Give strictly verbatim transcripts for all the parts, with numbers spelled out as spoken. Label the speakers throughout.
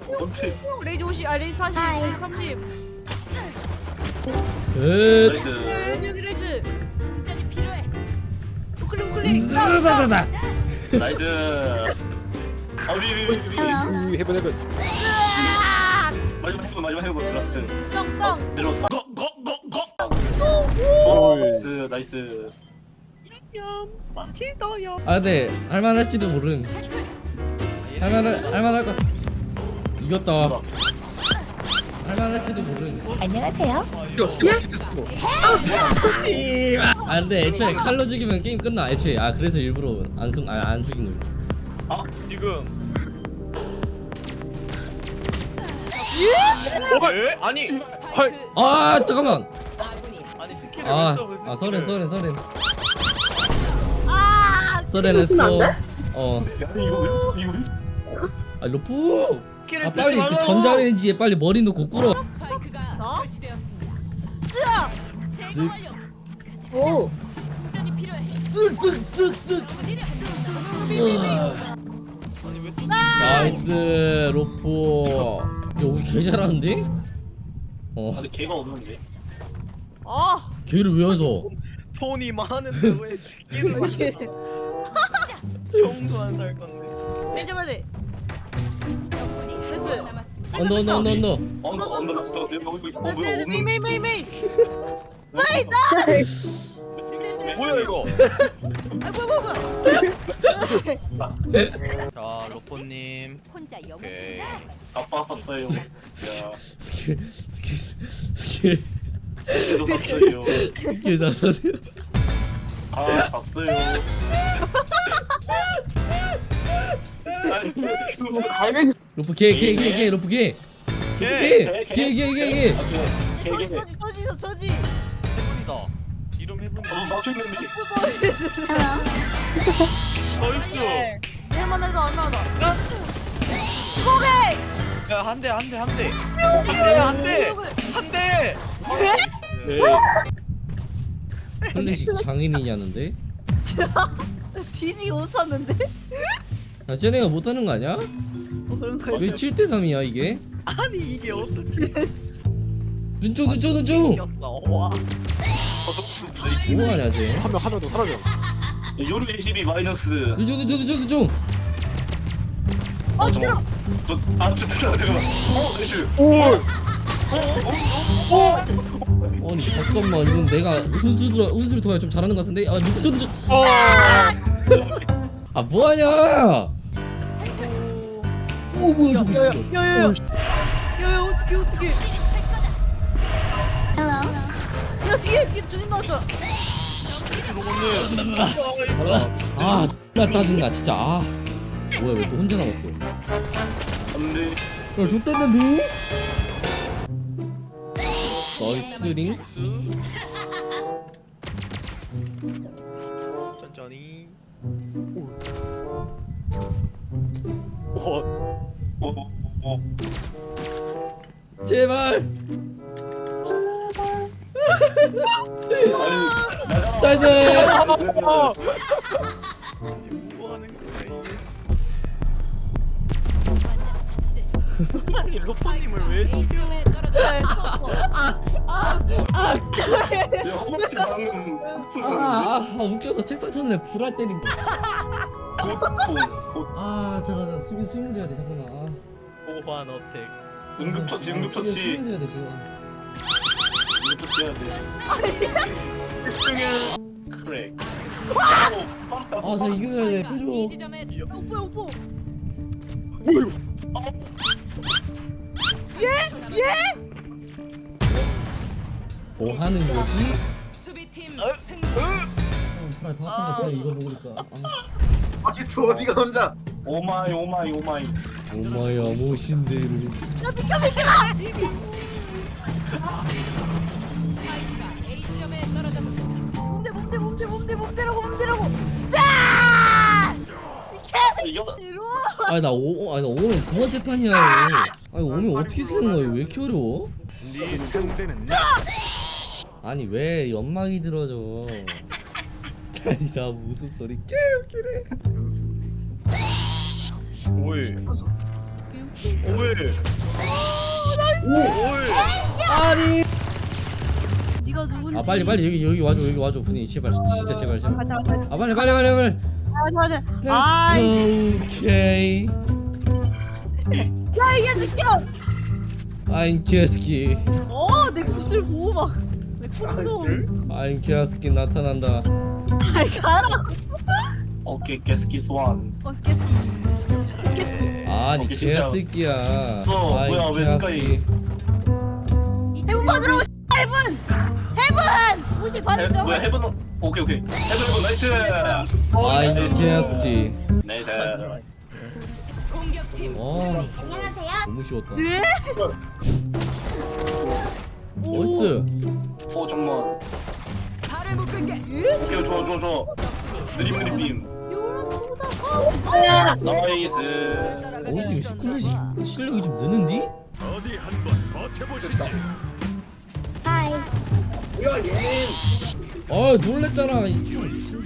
Speaker 1: 원체.
Speaker 2: 레이즈 오십, 아 레이즈 사십, 레이즈 삼십.
Speaker 3: 끝.
Speaker 1: 나이스.
Speaker 2: 레이즈 여기 레이즈. 충전이 필요해. 우클릭 우클릭.
Speaker 3: 으사사사사.
Speaker 1: 나이스. 아 우리 우리 우리 우리.
Speaker 4: 우 해본 해본.
Speaker 1: 마지막 해보 마지막 해보 라스트.
Speaker 2: 땅땅.
Speaker 1: 내려왔다.
Speaker 4: 오이.
Speaker 1: 나이스 나이스.
Speaker 3: 아 근데 할만할지도 모름. 할만할 할만할 것 같아. 이겼다. 할만할지도 모름.
Speaker 5: 안녕하세요.
Speaker 4: 이거 스킬 됐어.
Speaker 3: 아 근데 애초에 칼로 죽이면 게임 끝나. 애초에 아 그래서 일부러 안숨안 죽인 거야.
Speaker 1: 아
Speaker 6: 지금
Speaker 4: 뭐가?
Speaker 6: 에? 아니
Speaker 4: 헐.
Speaker 3: 아 잠깐만.
Speaker 6: 아니 스킬을
Speaker 3: 아,
Speaker 6: 왜 써, 그
Speaker 3: 아
Speaker 6: 스킬을.
Speaker 3: 서렌 서렌 서렌
Speaker 2: 아.
Speaker 3: 서렌 스톱. 어,
Speaker 1: 아니 이거 왜 이거 왜?
Speaker 3: 아 로프.
Speaker 6: 스킬을
Speaker 3: 아
Speaker 6: 쓰지
Speaker 3: 빨리 그
Speaker 6: 말라고.
Speaker 3: 전자레인지에 빨리 머리 넣고 꿇어.
Speaker 2: 서. 쯔아.
Speaker 3: 쓱
Speaker 5: 오.
Speaker 3: 쓱쓱쓱쓱.
Speaker 6: 아니 왜또
Speaker 3: 나이스 로프. 야 우리 개 잘하는데? 어,
Speaker 1: 근데 걔가 없는데.
Speaker 2: 아.
Speaker 3: 걔를 왜 해서?
Speaker 6: 돈이 많은데 왜 스킬을
Speaker 2: 이게.
Speaker 6: 정도 안 살 건데.
Speaker 2: 레이즈 봐야 돼. 됐어.
Speaker 3: 언더 언더 언더 언더.
Speaker 1: 언더 언더 라스트. 여기 여기 어 뭐야
Speaker 2: 메이
Speaker 1: 없는.
Speaker 2: 메이 메이 메이.
Speaker 6: 뭐야 이거?
Speaker 2: 아 뭐야 뭐야 뭐야.
Speaker 6: 자 로포님.
Speaker 5: 혼자 영.
Speaker 6: 오케이.
Speaker 1: 아빠 썼어요. 야
Speaker 3: 스킬 스킬 스킬
Speaker 1: 이거 썼어요.
Speaker 3: 스킬 다 사세요.
Speaker 1: 아 샀어요. 아니 이거
Speaker 3: 로프 개개개개 로프 개.
Speaker 6: 예.
Speaker 3: 개개개개개.
Speaker 2: 저지
Speaker 1: 걔걔
Speaker 2: 저지 저지 저지.
Speaker 6: 해분이다. 이름 해분.
Speaker 1: 어 맞췄는데.
Speaker 6: 나이스.
Speaker 2: 얼마나 더 얼마나 더. 고백.
Speaker 6: 야한 대 한 대 한 대. 한 대 한 대.
Speaker 1: 네.
Speaker 3: 클래식 장인이냐는데?
Speaker 2: 뒤지게 웃었는데?
Speaker 3: 야 쟤네가 못하는 거 아니야?
Speaker 2: 어 그런 거야.
Speaker 3: 왜 칠 대 삼이야 이게?
Speaker 6: 아니 이게 어떻게
Speaker 3: 눈쪽 눈쪽 눈쪽!
Speaker 6: 이겼어? 와.
Speaker 1: 어, 저, 저,
Speaker 3: 뭐하냐 쟤?
Speaker 4: 한명 하면 더 사라져.
Speaker 1: 요루 이십이 마이너스.
Speaker 3: 눈쪽 눈쪽 눈쪽 눈쪽!
Speaker 2: 아 싫어.
Speaker 1: 저아 진짜 잠깐만. 어 나이스.
Speaker 4: 오.
Speaker 3: 아니 잠깐만 이건 내가 훈수들 훈수를 통해 좀 잘하는 것 같은데? 아 눈쪽 눈쪽!
Speaker 4: 아.
Speaker 3: 아 뭐하냐! 오 뭐야 저거 씨발.
Speaker 2: 야야야. 야야 어떻게 어떻게?
Speaker 5: 헬로.
Speaker 2: 야 뒤에 뒤에 두진 나왔어.
Speaker 3: 아 X나 짜증나 진짜. 아 뭐야 왜 또 혼자 남았어?
Speaker 1: 안돼.
Speaker 3: 야 좋단다 너? 나이스링?
Speaker 6: 천천히.
Speaker 4: 오.
Speaker 1: 어어
Speaker 3: 제발!
Speaker 1: 아니 나잖아.
Speaker 3: 나이스!
Speaker 6: 뭐 하는 거야 이게? 아니 로포님을 왜 죽여?
Speaker 1: 야 허벅지 방금
Speaker 3: 아,
Speaker 1: 쓰는데.
Speaker 3: 아, 아 웃겨서 책상 쳤네 불알 때린
Speaker 1: 곧곧곧
Speaker 3: 아 잠깐 잠깐 수비 수비 해야 돼 잠깐만. 아.
Speaker 6: 보환 어택.
Speaker 1: 응급처치
Speaker 3: 아,
Speaker 1: 응급처치
Speaker 3: 수비 해야 돼 지금.
Speaker 1: 응급처치 해야 돼.
Speaker 6: 집중해.
Speaker 1: 크랙.
Speaker 3: 아저 이겨야 돼 해줘.
Speaker 2: 오빠 오빠.
Speaker 4: 뭐야 이거?
Speaker 2: 예? 예?
Speaker 3: 뭐 하는 거지?
Speaker 2: 수비팀
Speaker 6: 어?
Speaker 2: 승리.
Speaker 3: 아, 불알 더 아픈 거 그냥 이거 먹으니까. 아,
Speaker 7: 아지트 어디가 혼자?
Speaker 1: 오마이 오마이 오마이.
Speaker 3: 엄마야 모신대로.
Speaker 2: 야 비켜 비켜. A점에 떨어졌습니다. 몸대 몸대 몸대 몸대 몸대라고 몸대라고. 짜!
Speaker 1: 이거
Speaker 2: 이리 와.
Speaker 3: 아니 나 오, 아니 나 오면 두 번째 판이야. 아니 오면 어떻게 쓰는 거야? 왜 이렇게 어려워?
Speaker 6: 네 상대는
Speaker 3: 아니 왜 연막이 들어져? 아니 나 웃음소리 개 웃기네.
Speaker 6: 오이. 오물.
Speaker 3: 아니.
Speaker 2: 네가 누군지.
Speaker 3: 아 빨리 빨리 여기 여기 와줘 여기 와줘 분이 제발 진짜 제발 제발.
Speaker 2: 가자 가자
Speaker 3: 아 빨리 빨리 빨리 빨리.
Speaker 2: 가자 가자. 아이.
Speaker 3: Let's go. 오케이.
Speaker 2: 야 이게 느껴.
Speaker 3: I'm 개스키.
Speaker 2: 어내 구슬 보고 막내 풍선.
Speaker 3: I'm 개스키 나타난다.
Speaker 2: 아이 가라.
Speaker 1: 오케이 게스키 스완.
Speaker 2: 어 스케치.
Speaker 3: 아니
Speaker 1: 오케이, 진짜.
Speaker 3: 개새끼야.
Speaker 1: 저, 뭐야, 왜 스카이?
Speaker 2: 해분 받으러 오시. 해분. 해분. 오실
Speaker 1: 해,
Speaker 2: 받으러.
Speaker 1: 뭐야 해븐 오케이 오케이 해븐 해븐 나이스.
Speaker 3: I'm 개새끼.
Speaker 1: 나이스.
Speaker 3: 와
Speaker 5: 안녕하세요.
Speaker 3: 너무 쉬웠다.
Speaker 2: 네?
Speaker 3: 나이스.
Speaker 1: 어 정말. 오케이 좋아 좋아 좋아. 느림 느림 빔. 나이스.
Speaker 3: 어 지금 시클릿이 실력이 좀 느는디?
Speaker 5: 하이.
Speaker 3: 아 놀랬잖아. 이 좀.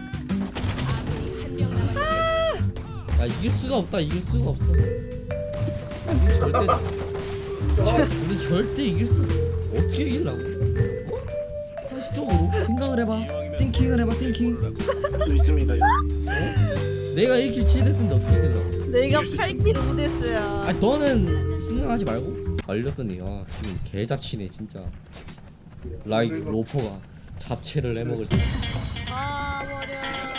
Speaker 3: 아 이길 수가 없다. 이길 수가 없어. 우리 절대 우리 절대 이길 수 없어. 어떻게 이기려고? 어? 상식적으로 생각을 해봐. 띵킹을 해봐. 띵킹.
Speaker 1: 좀 있습니다.
Speaker 3: 내가 일 킬 칠 데스인데 어떻게 이기려고?
Speaker 2: 내가
Speaker 1: 이길 수
Speaker 2: 팔 킬 오 데스야.
Speaker 3: 아 너는 생각하지 말고 걸렸더니 아 지금 개잡치네 진짜. 라이 로퍼가 잡채를 내먹을 때.
Speaker 2: 아 버려.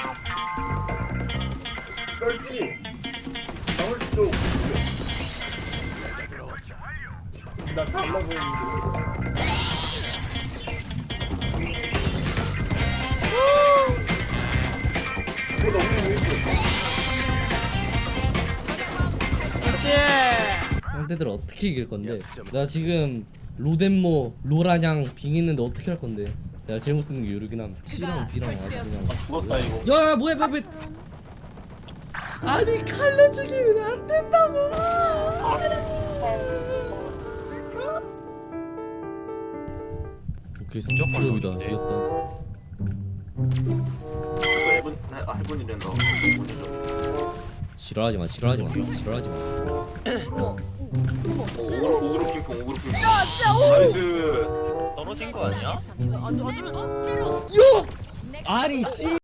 Speaker 3: 상대들 어떻게 이길 건데? 나 지금 로덴모, 로라냥 빙 있는데 어떻게 할 건데? 내가 제목 쓰는 게 요르긴 함. C랑 B랑 아주 그냥.
Speaker 1: 죽었다 이거.
Speaker 3: 야 뭐야 뭐야 뭐야. 아니 칼로 죽이면 안 된다고. 오케이 스톱드롭이다. 이겼다.
Speaker 1: 이거 해븐 아 해븐이란다.
Speaker 3: 지랄하지 마 지랄하지 마 지랄하지 마.
Speaker 1: 오그로 오그로 핑퐁 오그로 핑퐁.
Speaker 2: 야, 오!
Speaker 1: 나이스.
Speaker 6: 떨어진 거 아니야?
Speaker 2: 안 안 들어.
Speaker 3: 요! 아니 씨.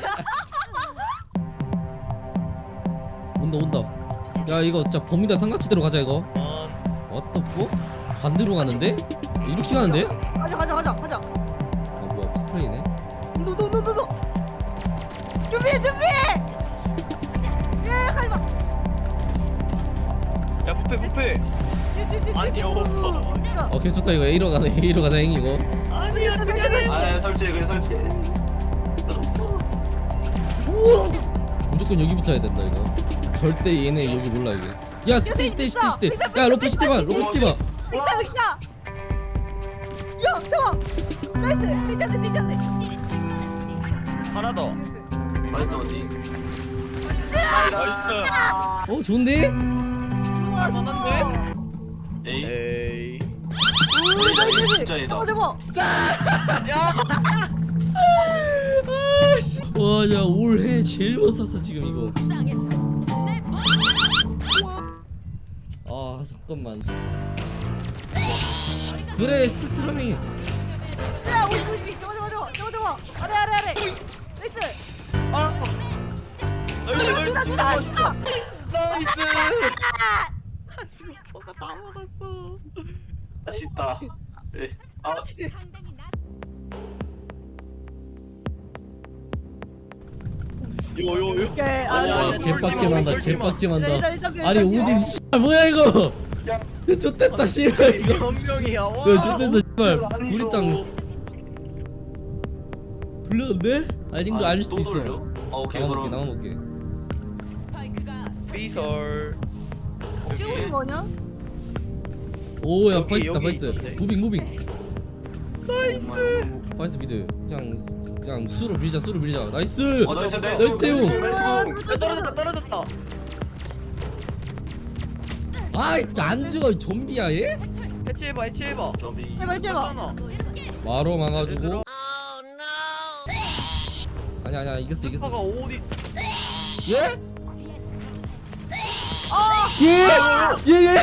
Speaker 3: 온다 온다. 야 이거 진짜 범위다 삼각지대로 가자 이거. What the fuck? 반대로 가는데? 이렇게 가는데?
Speaker 2: 가자 가자 가자 가자.
Speaker 3: 아 뭐야 스프레이네.
Speaker 2: 노노노노노. 준비해 준비해. 예 가지 마.
Speaker 6: 야 부패 부패.
Speaker 2: 찌찌찌찌.
Speaker 6: 아니요.
Speaker 3: 오케이 좋다 이거 A로 가자 A로 가자 형 이거.
Speaker 6: 아니야 그게
Speaker 1: 아 설치해 그래 설치해. 나 없어.
Speaker 3: 우와! 무조건 여기부터 해야 된다 이거. 절대 얘네 여기 몰라 이게. 야 스테이 스테이 스테이 스테이. 야 로프 스테이봐 로프 스테이봐.
Speaker 2: 빅다 빅다. 야 대박. 나이스. 빅다스 빅다스.
Speaker 6: 하나 더.
Speaker 1: 나이스 어디?
Speaker 6: 나이스.
Speaker 3: 어 좋은데?
Speaker 2: 좋아
Speaker 6: 만한데?
Speaker 1: 에이.
Speaker 6: 에이.
Speaker 2: 오 나이스.
Speaker 1: 진짜 얘다.
Speaker 2: 어 대박.
Speaker 6: 야.
Speaker 3: 아씨. 와야 올해 제일 못 샀어 지금 이거. 아 잠깐만. 그래 스펙트럼이.
Speaker 2: 자 오십 오십. 저거 저거 저거 저거 저거. 아래 아래 아래. 나이스.
Speaker 6: 아. 나이스
Speaker 2: 누나
Speaker 6: 나이스
Speaker 2: 누나 누나.
Speaker 6: 나이스. 아씨 오빠가 다 먹었어.
Speaker 1: 아쉽다. 예. 아
Speaker 6: 요요요.
Speaker 2: 오케이. 아,
Speaker 6: 아니야,
Speaker 3: 와
Speaker 6: 아니야,
Speaker 3: 개빡게 한다
Speaker 6: 쫄지 마,
Speaker 3: 개빡게 한다.
Speaker 2: 이런, 이런, 이런,
Speaker 3: 아니
Speaker 2: 이런,
Speaker 3: 오딘 씨발 뭐야 이거. 야 좆됐다 씨발 이거.
Speaker 6: 변명이야. 와.
Speaker 3: 야 좆됐어 씨발. 우리 땅 돌렸는데? 아닌 거 아닐 수도
Speaker 1: 또 돌려?
Speaker 3: 있어.
Speaker 1: 아 오케이
Speaker 3: 나만 볼게
Speaker 1: 그럼.
Speaker 3: 나만 볼게.
Speaker 6: 비설.
Speaker 2: 찍는 거냐?
Speaker 3: 오야
Speaker 6: 여기,
Speaker 3: 파이스다
Speaker 6: 여기
Speaker 3: 파이스.
Speaker 6: 있었네.
Speaker 3: 무빙 무빙.
Speaker 1: 나이스.
Speaker 3: 파이스 미드. 그냥 그냥 수로 밀자 수로 밀자. 나이스.
Speaker 1: 어 나이스 나이스.
Speaker 3: 나이스 태용.
Speaker 1: 나이스.
Speaker 6: 야 떨어졌다 떨어졌다.
Speaker 3: 아이 진짜 안 죽어 이 좀비야 얘?
Speaker 6: 해체해봐 해체해봐.
Speaker 1: 좀비.
Speaker 2: 해봐 해봐.
Speaker 6: 하나.
Speaker 3: 마로 막아주고. 아니 아니야 이겼어
Speaker 6: 스파가
Speaker 3: 이겼어.
Speaker 6: 오디.
Speaker 3: 예? 예예예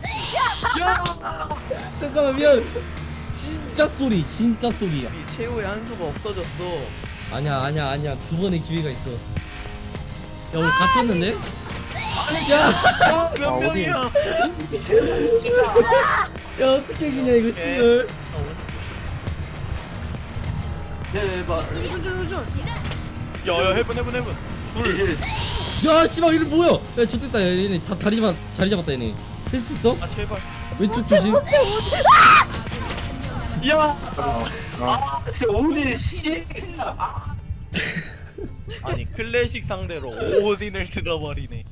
Speaker 3: 잠깐만 미안 진짜 쏘리 진짜 쏘리야
Speaker 6: 이 최후의 한 수가 없어졌어.
Speaker 3: 아니야 아니야 아니야 두 번의 기회가 있어 야 우리 갇혔는데? 야,
Speaker 6: 몇 명이야?
Speaker 3: 야 어떻게 이기냐 이거 씨발
Speaker 1: 대박.
Speaker 6: 야야 해븐 해븐 해븐. 둘.
Speaker 3: 야 씨발 이거 뭐야 야 좋됐다 야, 얘네 다 자리 잡아 자리 잡았다 얘네 할 수 있어?
Speaker 6: 아 제발.
Speaker 3: 왼쪽 조심
Speaker 6: 야.
Speaker 1: 아 진짜 오늘 씨.
Speaker 6: 아니 클래식 상대로 오딘을 들어버리네.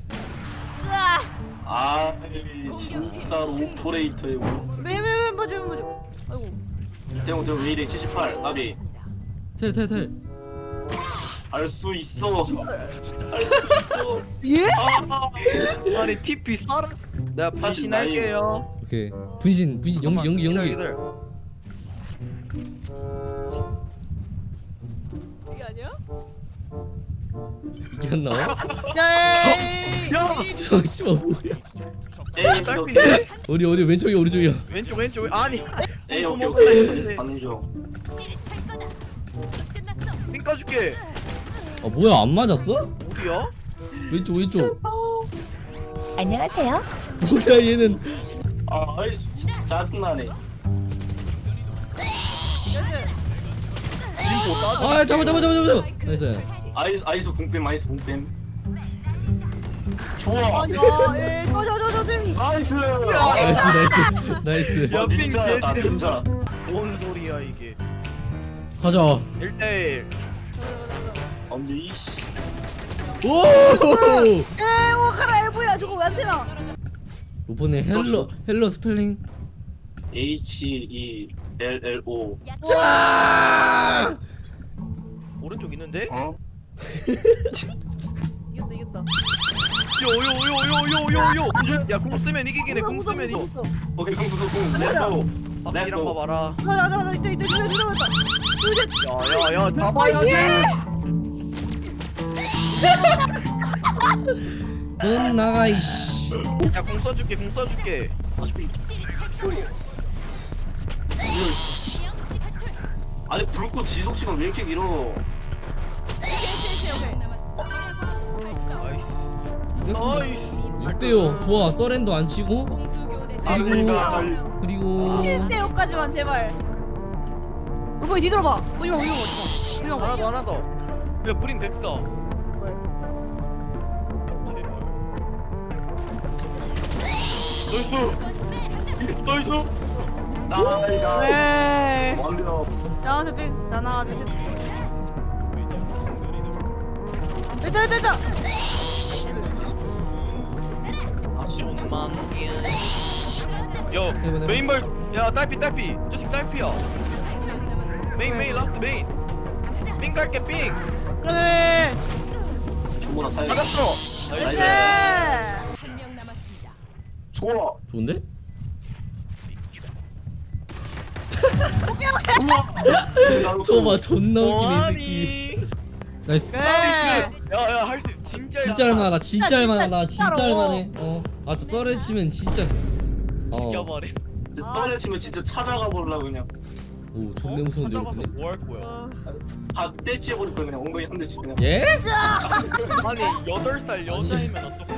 Speaker 1: 아 진짜로 오퍼레이터의 오.
Speaker 2: 왜왜왜 뭐죠 뭐죠. 아이고.
Speaker 1: 대웅 대웅 왜 이래 칠십팔 나비.
Speaker 3: 텔텔텔
Speaker 1: 할 수 있어. 할 수 있어.
Speaker 2: 예?
Speaker 6: 아, 아니 티피 살아. 내가
Speaker 1: 사진
Speaker 6: 분신할게요.
Speaker 3: 오케이 분신 분신 연기 연기 연기
Speaker 6: 기다려,
Speaker 2: 이게 아니야?
Speaker 3: 이게 안 나와?
Speaker 2: 야이.
Speaker 6: 야.
Speaker 3: 저 씨발 뭐야
Speaker 1: 에이
Speaker 6: 딸피.
Speaker 1: 오케이.
Speaker 3: 어디 어디 왼쪽이야 오른쪽이야
Speaker 6: 왼쪽 왼쪽 왼- 아니.
Speaker 1: 에이 오케이
Speaker 6: 먹을라
Speaker 1: 오케이.
Speaker 6: 했는데.
Speaker 1: 가는 중.
Speaker 6: 삥 까줄게.
Speaker 3: 아 뭐야 안 맞았어?
Speaker 6: 어디야?
Speaker 3: 왼쪽 왼쪽
Speaker 5: 안녕하세요.
Speaker 3: 뭐야 얘는
Speaker 1: 아 아이스 진짜 짜증나네.
Speaker 6: 링고 따줘.
Speaker 3: 아 잡아 잡아 잡아 잡아 나이스
Speaker 1: 아이스 아이스 궁뱀 아이스 궁뱀. 좋아.
Speaker 2: 아니 예. 저저저저 좀.
Speaker 1: 나이스.
Speaker 3: 나이스 나이스 나이스
Speaker 6: 야, 삥
Speaker 1: 닌자다
Speaker 6: 개지려.
Speaker 1: 닌자.
Speaker 6: 뭔 소리야 이게.
Speaker 3: 가자
Speaker 6: 일 대일.
Speaker 1: 언니 이씨.
Speaker 3: 오
Speaker 2: 에 오카라 에보야 저거 왜 안 되나?
Speaker 3: 이번에 헬로 헬로 스펠링
Speaker 1: H E L L O.
Speaker 3: 자
Speaker 6: 오른쪽 있는데?
Speaker 1: 어?
Speaker 2: 이겼다 이겼다.
Speaker 6: 요요요요요요요. 야공 쓰면 이기긴 해. 공 쓰면 이기.
Speaker 1: 오케이 공수 공. 렛츠고.
Speaker 6: 앞이랑
Speaker 1: 렛츠고.
Speaker 6: 봐봐라.
Speaker 2: 가자 가자 가자 이때 이때 두개 들어갔다. 두개.
Speaker 6: 야야야 잡아야지.
Speaker 3: 넌 나가 이씨
Speaker 6: 야공 써줄게 공 써줄게.
Speaker 1: 어차피. 아니 불꽃 지속 시간 왜 이렇게 길어?
Speaker 3: 이겼습니다 육 대오 좋아 서렌도 안 치고 그리고 그리고
Speaker 2: 칠 대 오까지만 제발. 로보이 뒤돌아봐. 보지마 보지마 보지마.
Speaker 6: 하나 더 하나 더. 야 뿌린 됐어. 나이스. 나이스.
Speaker 1: 나이스.
Speaker 2: 네.
Speaker 1: 완벽.
Speaker 2: 자, 스픽. 자, 하나, 둘, 셋. 됐다, 됐다, 됐다.
Speaker 6: 좀만. 요 메인벌. 야 딸피 딸피. 저식 딸피야. 메인 메인 라스트 메인. 삥 갈게 삥.
Speaker 2: 그래.
Speaker 1: 정보나 타야.
Speaker 6: 맞았어.
Speaker 1: 나이스.
Speaker 2: 네.
Speaker 1: 좋아.
Speaker 3: 좋은데? 소바 존나 웃기네 이 새끼
Speaker 6: 뭐하니?
Speaker 3: 나이스
Speaker 2: 네.
Speaker 6: 야야 할 수 진짜.
Speaker 3: 진짜 할만하다 진짜
Speaker 2: 진짜,
Speaker 3: 할만하다 진짜
Speaker 2: 진짜로.
Speaker 3: 할만해 어아 저 썰을 치면 진짜 어오
Speaker 6: 이겨버려.
Speaker 1: 썰에 치면 진짜 찾아가 보려 그냥.
Speaker 3: 존내 무서운데
Speaker 6: 찾아가서
Speaker 3: 이렇게
Speaker 6: 뭐 할 거야?
Speaker 1: 다 떼치해 버릴 거야 그냥 엉덩이 한 대씩 그냥.
Speaker 3: 예?
Speaker 6: 아니 여덟 살 여자이면 어떡해?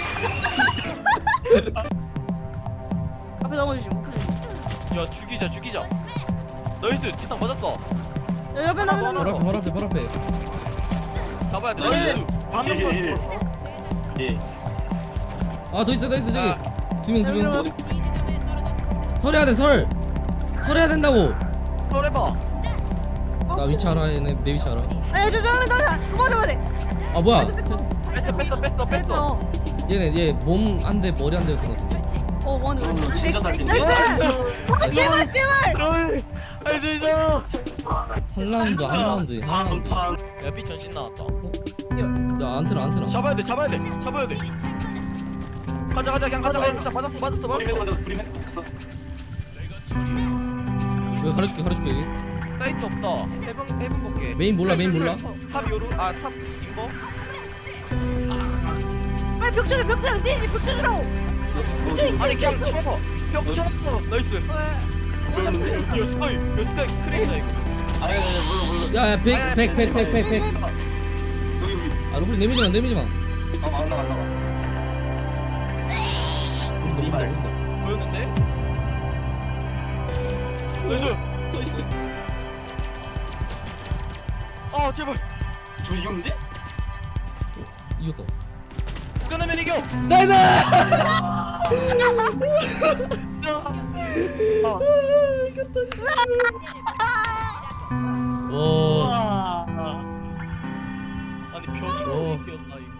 Speaker 2: 앞에 넘어주시고.
Speaker 6: 야 죽이자 죽이자. 나이스 지상 맞았어.
Speaker 2: 야, 옆에 나면
Speaker 3: 바로
Speaker 2: 나면.
Speaker 3: 앞에 바로 앞에 바로 앞에
Speaker 6: 잡아야 돼.
Speaker 1: 나이스.
Speaker 6: 나이스. 방금
Speaker 1: 예, 예, 예.
Speaker 6: 건
Speaker 1: 예.
Speaker 3: 아 더 있어 더 있어 저기 두 명 두 명
Speaker 1: 어디?
Speaker 3: 설해야 돼설 설해야 된다고
Speaker 6: 설해봐.
Speaker 3: 나 위치 알아 얘네 내 위치 알아
Speaker 2: 아, 저, 저, 저, 저, 그거 잡아야 돼.
Speaker 3: 아 뭐야
Speaker 6: 뺐어 뺐어 뺐어 뺐어.
Speaker 2: 됐어.
Speaker 3: 얘네 얘 몸 한 대 머리 한 대였던 것 같은데
Speaker 2: 어, 뭐하는 거야?
Speaker 1: 어, 진짜 달린데.
Speaker 2: 나이스.
Speaker 1: 나이스.
Speaker 2: 제발, 제발.
Speaker 6: 설. 할수 있어.
Speaker 3: 한 라운드 한 라운드 한
Speaker 1: 한
Speaker 3: 라운드
Speaker 1: 판.
Speaker 6: 야비 전신 나왔다.
Speaker 3: 야 안트라 안트라
Speaker 6: 잡아야 돼 잡아야 돼 잡아야 돼. 가자 가자 그냥 가자 가자 맞았어 맞았어
Speaker 1: 브리맨
Speaker 6: 맞았어.
Speaker 1: 맞았어 브리맨 맞았어.
Speaker 3: 여기 가려줄게 가려줄게 여기
Speaker 6: 사이트 없다. 해본 해본 볼게.
Speaker 3: 메인 몰라 메인 몰라
Speaker 6: 탑 요루 아탑 인거.
Speaker 2: 빨리, 벽 쳐줘 벽 쳐줘 세이지 벽 쳐주라고.
Speaker 6: 아니 그냥 쳐봐. 벽 쳤어. 나이스. 야 스카이, 야 스카이 크랙이다 이거.
Speaker 1: 아니 아니 아니 몰라 몰라.
Speaker 3: 야야 백 백 백 백 백 백.
Speaker 1: 여기 여기.
Speaker 3: 아 로블이 내미지마 내미지마.
Speaker 1: 아안 나가 안 나가.
Speaker 3: 모른다 모른다 모른다.
Speaker 6: 보였는데? 나이스.
Speaker 1: 나이스.
Speaker 6: 아 제발.
Speaker 1: 저 이겼는데?
Speaker 3: 이겼다.
Speaker 6: 끊으면 이겨.
Speaker 3: 나이스!
Speaker 6: 아.
Speaker 3: 이겼다 씨. 와.
Speaker 6: 아니 벽이
Speaker 3: 어.
Speaker 6: 이겼다 이거.